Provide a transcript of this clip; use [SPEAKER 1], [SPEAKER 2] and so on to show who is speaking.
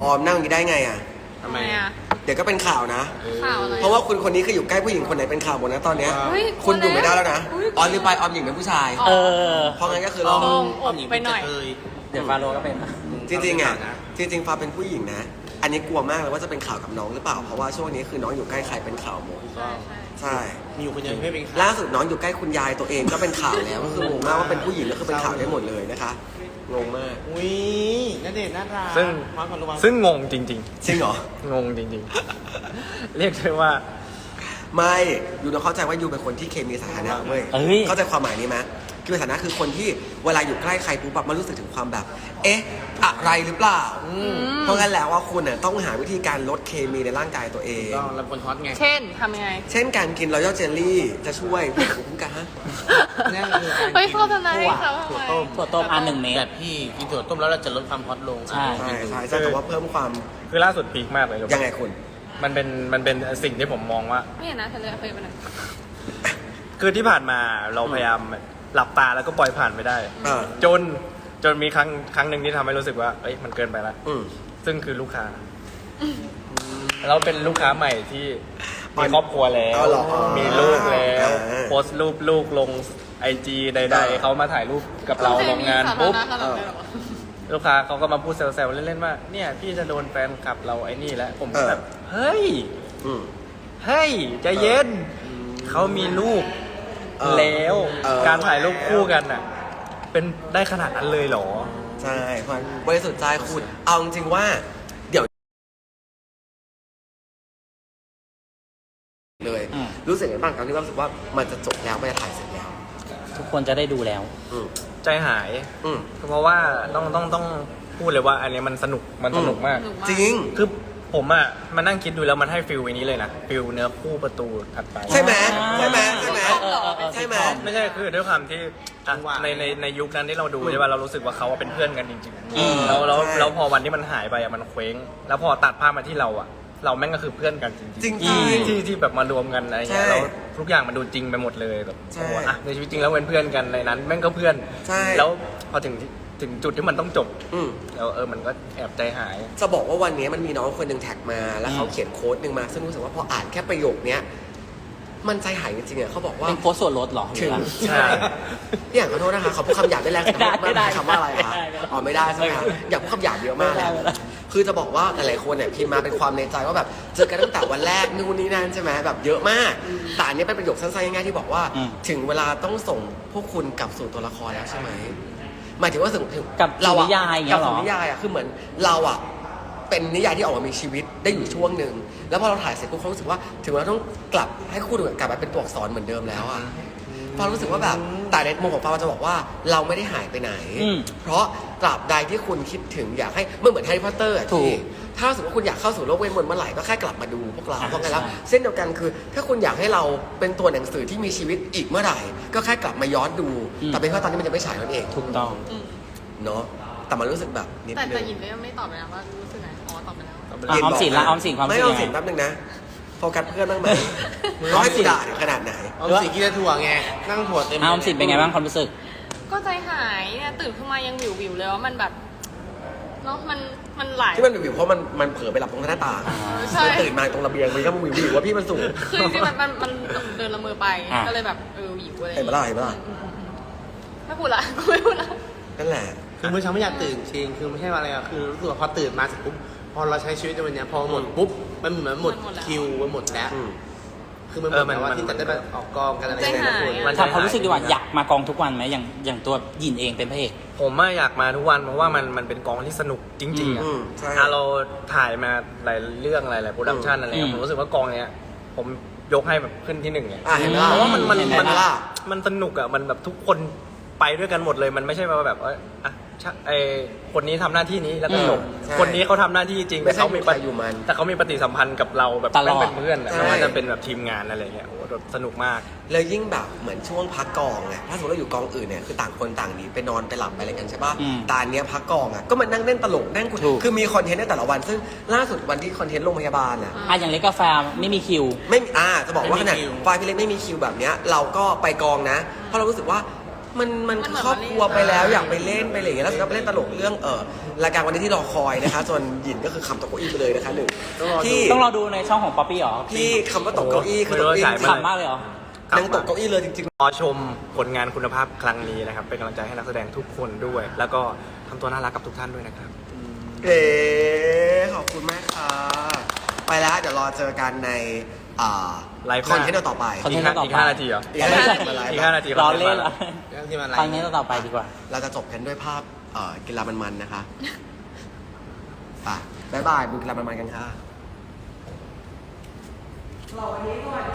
[SPEAKER 1] ออมนั่งอย่างนี้ได้ไงอ่ะ
[SPEAKER 2] ทำไมอ่ะ
[SPEAKER 1] เดี๋ยวก็เป็นข่าวนะ
[SPEAKER 2] ข่าวอะไร
[SPEAKER 1] เพราะว่าคุณคนนี้คืออยู่ใกล้ผู้หญิงคนไหนเป็นข่าวหมดนะตอนเนี้ย
[SPEAKER 2] เฮ้ย
[SPEAKER 1] คุณอยู่ไม่ได้แล้วนะ
[SPEAKER 2] อุ๊ย
[SPEAKER 1] ออมหรือไปออมหญิงเป็นผู้ชาย
[SPEAKER 3] เออ
[SPEAKER 1] เพราะงั้นก็คือ
[SPEAKER 2] ล
[SPEAKER 1] ร
[SPEAKER 2] อ
[SPEAKER 1] อง
[SPEAKER 2] อบไปหน่อย
[SPEAKER 3] เดี๋ยวฟาโรก็เป็น
[SPEAKER 1] จริงๆอ่ะจริงๆฟ้าเป็นผู้หญิงนะ อันนี้กลัวมากเลยว่าจะเป็นข่าวกับน้องหรือเปล่าเพราะว่าช่วงนี้คือน้องอยู่ใกล้ใครเป็นข่าวหมด
[SPEAKER 2] ใช่
[SPEAKER 1] ใช่
[SPEAKER 4] มีอยู่คนเดียวไม่เป็นข่าว
[SPEAKER 1] ล่าสุดน้องอยู่ใกล้คุณยายตัวเองก็เป็นข่าวแล้วก็คืองงมากว่าเป็นผู้หญิงก็คือเป็นข่าวได้หมดเลยนะคะงงมาก
[SPEAKER 4] อุ้ยณเดชน์น่ารัก
[SPEAKER 5] ซึ่ง
[SPEAKER 4] มาก่อนระวัง
[SPEAKER 5] ซึ่งงงจริง
[SPEAKER 1] จริงเหรอ
[SPEAKER 5] ๆ งงจริงๆ เรียกได้ว่า
[SPEAKER 1] ไม่ยูต้องเข้าใจว่ายูเป็นคนที่เคมีสถานะเว้ย
[SPEAKER 3] เอ้ย
[SPEAKER 1] เข้าใจความหมายนี้ไหมเคมีสถานะคือคนที่เวลาอยู่ใกล้ใครปุ๊บแบบมันรู้สึกถึงความแบบ เอ๊ะอะไรหรือเปล่าเพราะงั้นแล้วว่าคุณเนี่ยต้องหาวิธีการลดเคมีในร่างกายตัวเอง
[SPEAKER 4] ก็เราคนฮอตไง
[SPEAKER 2] เช่นทำยังไง
[SPEAKER 1] เช่นการกินรอยัลเจลลี่จะช่วยภูมิคุ้มกันฮะ
[SPEAKER 4] นั่นคือ
[SPEAKER 2] เฮ้ยโฆษณา
[SPEAKER 4] ถั่ว
[SPEAKER 2] เขาทำไม
[SPEAKER 4] ถั่วต้ม
[SPEAKER 3] ถั่วต้มอัน1 เมต
[SPEAKER 4] แบ
[SPEAKER 3] ร
[SPEAKER 4] บพี่กินถั่วต้มแล้วเราจะลดความฮอตลง
[SPEAKER 3] ใช่
[SPEAKER 1] ใช่ใช่ใช่แต่ว่าเพิ่มความ
[SPEAKER 5] คือล่าสุดพีคมากเลยรู้ปะ
[SPEAKER 1] ยังไงคุณ
[SPEAKER 5] มันเป็นสิ่งที่ผมมองว่า
[SPEAKER 2] ไม่เห็นนะทะเลเคยไปไหน
[SPEAKER 5] คือที่ผ่านมาเราพยายามหลับตาแล้วก็ปล่อยผ่านไปได้
[SPEAKER 1] เออ
[SPEAKER 5] จนมีครั้งหนึ่งที่ทำให้รู้สึกว่าเอ้ยมันเกินไปละ
[SPEAKER 1] อืม
[SPEAKER 5] ซึ่งคือลูกค้าเราเป็นลูกค้าใหม่ที่มีครอบครัวแล้ว
[SPEAKER 1] เอาเหรอ
[SPEAKER 5] มีลูกแล้ว
[SPEAKER 1] อ่า
[SPEAKER 5] โพสต์รูปลูกลงไอจีใด
[SPEAKER 1] เออ
[SPEAKER 5] ๆเขามาถ่ายรูปกับเราโรงงานปุ๊บ
[SPEAKER 2] ขนาดนั้นเลยเหรอ
[SPEAKER 5] ลูกค้าเขาก็มาพูดแซวๆเล่นๆว่าเนี่ยพี่จะโดนแฟนคลับเราไอ้นี่แล้วผมก็แบบเฮ้ย
[SPEAKER 1] อืม
[SPEAKER 5] เฮ้ยใจเย็นเขามีลูก
[SPEAKER 1] เออ
[SPEAKER 5] แล้ว
[SPEAKER 1] เออ
[SPEAKER 5] การถ่ายรูปคู่กันน่ะ เป็นได้ขนาดนั้นเลยเหรอ
[SPEAKER 1] ใช่เพราะบริสุทธิ์ใจคุณเอาจริงๆว่า เดี๋ยวเลย
[SPEAKER 3] อืม
[SPEAKER 1] รู้สึกไงบ้างตอนที่รู้สึกว่ามันจะจบแล้วมันจะถ่ายเสร็จแล้ว
[SPEAKER 3] ทุกคนจะได้ดูแล้ว
[SPEAKER 1] อืม
[SPEAKER 5] ใจหาย
[SPEAKER 1] อืม
[SPEAKER 5] เพราะว่าต้องพูดเลยว่าอันนี้มันสนุกมาก
[SPEAKER 2] สนุกมาก
[SPEAKER 1] จริง
[SPEAKER 5] คือผมอ่ะมานั่งคิดดูแล้วมันให้ฟิลอันนี้เลยนะฟิลเนื้อคู่ประตูถัดไป
[SPEAKER 1] ใช่ไหมใช่ไหมใช่ไหม
[SPEAKER 3] ใช่
[SPEAKER 1] ใช่ไหม
[SPEAKER 5] ไม่ใช่คือด้วยความที่อ่ะในยุคนั้นที่เราดูใช่ป่ะเรารู้สึกว่าเขาเป็นเพื่อนกันจริง
[SPEAKER 3] อืม
[SPEAKER 5] ๆแล้วพอวันที่มันหายไปอ่ะมันเคว้ง แล้วพอตัดภาพมาที่เราอ่ะ เราแม่งก็คือเพื่อนกันจริงๆ
[SPEAKER 1] จริงๆ
[SPEAKER 5] ที่แบบมารวมกันอะไรเงี้ย
[SPEAKER 1] ใช่
[SPEAKER 5] แล้วทุกอย่างมันดูจริงไปหมดเลยแบบ
[SPEAKER 1] ใช่
[SPEAKER 5] โอ้โหอ่ะในชีวิตจริงแล้วเป็นเพื่อนกันในนั้นแม่งก็เพื่อน
[SPEAKER 1] ใช่
[SPEAKER 5] แล้วพอถึงจุดที่มันต้องจบ
[SPEAKER 1] อืม
[SPEAKER 5] แล้วมันก็แอบใจหาย
[SPEAKER 1] จะบอกว่าวันนี้มันมีน้องคนหนึ่งแท็กมา แล้วเขาเขียนโค้ดหนึ่งมา ซึ่งรู้สึกว่าพออ่านแค่ประโยคเนี้ยมันใจหายจริงๆอ่ะเขาบอกว่า
[SPEAKER 3] เป็นโค้ดส่วนลดเหรอหรื
[SPEAKER 1] ถึ
[SPEAKER 3] อง อะไร
[SPEAKER 5] ใช่
[SPEAKER 1] พี่อย่างขอโทษนะคะเขาพูดคำหยาบได้แรง
[SPEAKER 3] ไม่ได้
[SPEAKER 1] คำว่าอะไรคะ
[SPEAKER 3] ไม่ได้
[SPEAKER 1] อ๋อไม่ได้ใช่ไหมคะอยากพูดคำหยาบเยอะมากเลย
[SPEAKER 3] ไม่ได้
[SPEAKER 1] คือจะบอกว่าหลายๆคนเนี่ยพิมพ์มาเป็นความในใจว่าแบบเจอกันตั้งแต่วันแรกนู่นนี่นั่นใช่ไหมแบบเยอะมากแต่อันนี้เป็นประโยคสั้นๆง่ายๆที่บอกว่า
[SPEAKER 3] อืม
[SPEAKER 1] ถึงเวลาต้องส่งพวกคุณกลับสู่ตัวละครแล้วใช่ไหมหมายถึงว่าถึง
[SPEAKER 3] กับสู่
[SPEAKER 1] เราอะ
[SPEAKER 3] นิยายอย่างเงี้
[SPEAKER 1] กั
[SPEAKER 3] ยเหรอ
[SPEAKER 1] สู่นิยายอะคือเหมือนเราอะเป็นนิยายที่ออกมามีชีวิตได้อยู่ช่วงหนึ่งแล้วพอเราถ่ายเสร็จปุ๊บเขารู้สึกว่าถึงเราต้องกลับให้คู่ดูกลับมาเป็นตัวอักษรเหมือนเดิมแล้วอะฟ้ารู้สึกว่าแบบแต่ในมุมของฟ้าจะบอกว่าเราไม่ได้หายไปไหน
[SPEAKER 3] อืม
[SPEAKER 1] เพราะตราบใดที่คุณคิดถึงอยากให้มันเหมือนแฮร์รี่พอตเตอร์อะ
[SPEAKER 3] ถู
[SPEAKER 1] ที่
[SPEAKER 3] ก
[SPEAKER 1] ถ้าสมมติว่าคุณอยากเข้าสู่โลกเวทมนต์เมื่อไหร่ก็แค่กลับมาดูพวกเรา
[SPEAKER 3] อ่า
[SPEAKER 1] เพราะงั้นแล้ว
[SPEAKER 3] ใช่
[SPEAKER 1] เส้นเดียวกันคือ ถ้าคุณอยากให้เราเป็นตัวหนังสือที่มีชีวิตอีกเมื่อไหร่ ก็แค่กลับมาย้อนดู แต่เป็นเพราะตอนนี้มันยังไม่ฉายนั่นเอง
[SPEAKER 3] ถูกต้อง
[SPEAKER 2] อืม
[SPEAKER 1] เนาะแต่มันรู้สึกแบบนิด
[SPEAKER 2] แต่
[SPEAKER 1] นึง
[SPEAKER 2] หยินก็ยังไม่ตอบเลยนะว่ารู้สึกไงอ๋อตอบไปแล้ว
[SPEAKER 3] อ่ะออมสินละออมสินความรู้สึ
[SPEAKER 1] ไม่
[SPEAKER 3] ก
[SPEAKER 1] ออ
[SPEAKER 3] ยั
[SPEAKER 1] ม
[SPEAKER 3] งไง
[SPEAKER 1] สินแป๊บนึงนะโฟกัสเพื่อนบ้างไหม
[SPEAKER 3] ออ
[SPEAKER 1] ร้อ
[SPEAKER 3] ม
[SPEAKER 1] ย
[SPEAKER 3] สิ
[SPEAKER 1] สุ
[SPEAKER 3] น
[SPEAKER 1] ดาเนี่ยขนาดไหน
[SPEAKER 4] เอาสีกินแต่ถั่วไง นั่งถั่วเต็ม
[SPEAKER 3] ออมสินเป็นไงบ้างความรู้สึก
[SPEAKER 2] ก็ใจหายเนี่ยตื่นขึ้นมายังวิวเลยว่ามันแบบเนาะมันไหล
[SPEAKER 1] ที่มันวิวเพราะมันเผลอไปหลับตรงหน้าต่าง
[SPEAKER 2] ใช่
[SPEAKER 1] มันตื่นมาตรงระเบียงมันก็วิวว่าพี่มันสูง
[SPEAKER 2] คือจริงๆมันเดินละเมอไป
[SPEAKER 3] อ่ะ
[SPEAKER 2] ก็เลยแบบวิวอะไร
[SPEAKER 1] เห็นปะล่ะเห็นปะล่ะ
[SPEAKER 2] ไม่พูดละกูไม่พูดละ
[SPEAKER 1] นั่นแหละ
[SPEAKER 4] คือเมื่อเช้าไม่อยากตื่นจริงคือไม่ใช่ว่าอะไรอะคือรู้สึกว่าพอตื่นมาเสร็จปุ๊บพอเราใช้ชีวิตในวันเนี้ยพอหมดปุ๊บมันเหมือนหมดคิวมันหมดแล้ว
[SPEAKER 1] อืม
[SPEAKER 4] คือมันหมดแล้วว่าที่จะได้มาออกกองกันอะไร
[SPEAKER 2] ใจ
[SPEAKER 4] อย่าง
[SPEAKER 2] หา
[SPEAKER 4] เงี้
[SPEAKER 2] ย
[SPEAKER 4] ย
[SPEAKER 2] อะ
[SPEAKER 3] ถามความรู้สึกดีกว่าอยากมากองทุกวันไหมอย่างตัวหยินเองเป็นพระเอก
[SPEAKER 5] ผมอะอยากมาทุกวันเพราะว่ามันเป็นกองที่สนุกจริงๆอะ
[SPEAKER 1] อืมใช่
[SPEAKER 5] เราถ่ายมาหลายเรื่องหลายโปรดักชันอะไรเงี้ยผมรู้สึกว่ากองเนี้ยผมยกให้แบบขึ้นที่หนึ่งไง
[SPEAKER 1] อ่ะเห็นปะล่ะ
[SPEAKER 5] เพราะว่ามัน
[SPEAKER 1] เห็นปะล่ะ
[SPEAKER 5] มันสนุกอะมันแบบทุกคนไปด้วยกันหมดเลยมันไม่ใช่ว่าแบบว่าอ่ะไอคนนี้ทำหน้าที่นี้แล้วก็จบ
[SPEAKER 1] ใช่
[SPEAKER 5] คนนี้เขาทำหน้าที่จริง
[SPEAKER 1] ไม่ใช่
[SPEAKER 5] แต่เขามี
[SPEAKER 1] อยู่ใครอยู่มัน
[SPEAKER 5] แต่เขามีปฏิสัมพันธ์กับเราแบบ
[SPEAKER 3] ตลอด
[SPEAKER 5] เป็นเพื่อนอะ
[SPEAKER 1] ใช่
[SPEAKER 5] ไม่ว่าจะเป็นแบบทีมงานอะไรเงี้ยโอ้โหแบบสนุกมาก
[SPEAKER 1] แล้วยิ่งแบบเหมือนช่วงพักกองเนี่ยถ้าสมมติเราอยู่กองอื่นเนี่ยคือต่างคนต่างหนีไปนอนไปหลับไปอะไรกันใช่ป่ะ
[SPEAKER 3] อืม
[SPEAKER 1] แตอันเนี้ยพักกองอ่ะก็มานั่งเล่นตลกนั่งคุย
[SPEAKER 3] ถูก
[SPEAKER 1] คือมีคอนเทนต์ในแต่ละวัน ซึ่งล่าสุดวันที่คอนเทนต์โรงพยาบาลอ่ะ
[SPEAKER 3] อ่ะอย่างเล็กกาแฟไม่มีคิว
[SPEAKER 1] ไม่มีจะบอกว่าขนาดไฟล์พี่เล็กไม่มีคิวแบบเนี้ยเราก็ไปกองนะเพราะเรารู้สึกว่ามันครอบครัวไปแล้วอยากไปเล่นไปอะไรอย่างเงี้ยแล้วก็ไปเล่นตลกเรื่องรายการวันนี้ที่รอคอยนะคะ ส่วนหยินก็คือคำตกเก้าอี้ไปเลยนะคะหนึ่งที่
[SPEAKER 3] ต้องรอดูในช่องของป๊อปปี้หรอ
[SPEAKER 1] ที่คำว่าตกเก้าอี้คือตกเก้าอี้
[SPEAKER 3] ขำมากเลยเหรอ
[SPEAKER 1] นั่งตกเก้าอี้เลยจริง
[SPEAKER 5] รอชมผลงานคุณภาพครั้งนี้นะครับ เป็นกำลังใจให้นักแสดงทุกคนด้วย แล้วก็ทำตัวน่ารักกับทุกท่านด้วยนะครับ
[SPEAKER 1] ๆขอบคุณมากค่ะไปแล้วเดี๋ยวรอเจอกันใน
[SPEAKER 5] ไลฟ์ห
[SPEAKER 1] คอ
[SPEAKER 5] น้า
[SPEAKER 1] นเทนต์ต่อไป
[SPEAKER 3] คอนเทนต์
[SPEAKER 5] อีก5 นาทีเหรอ
[SPEAKER 1] อีก5 นาที
[SPEAKER 5] อีก5 นาที
[SPEAKER 3] รอเล่นเหรอ
[SPEAKER 4] ที่มันไล
[SPEAKER 3] ครั้ง
[SPEAKER 4] ฟ์
[SPEAKER 3] นี้ต่อไปดีกว่า
[SPEAKER 1] เราจะจบกันด้วยภาพกีฬามันๆนะคะบ๊ายบายดูกีฬามันๆกันค่ะ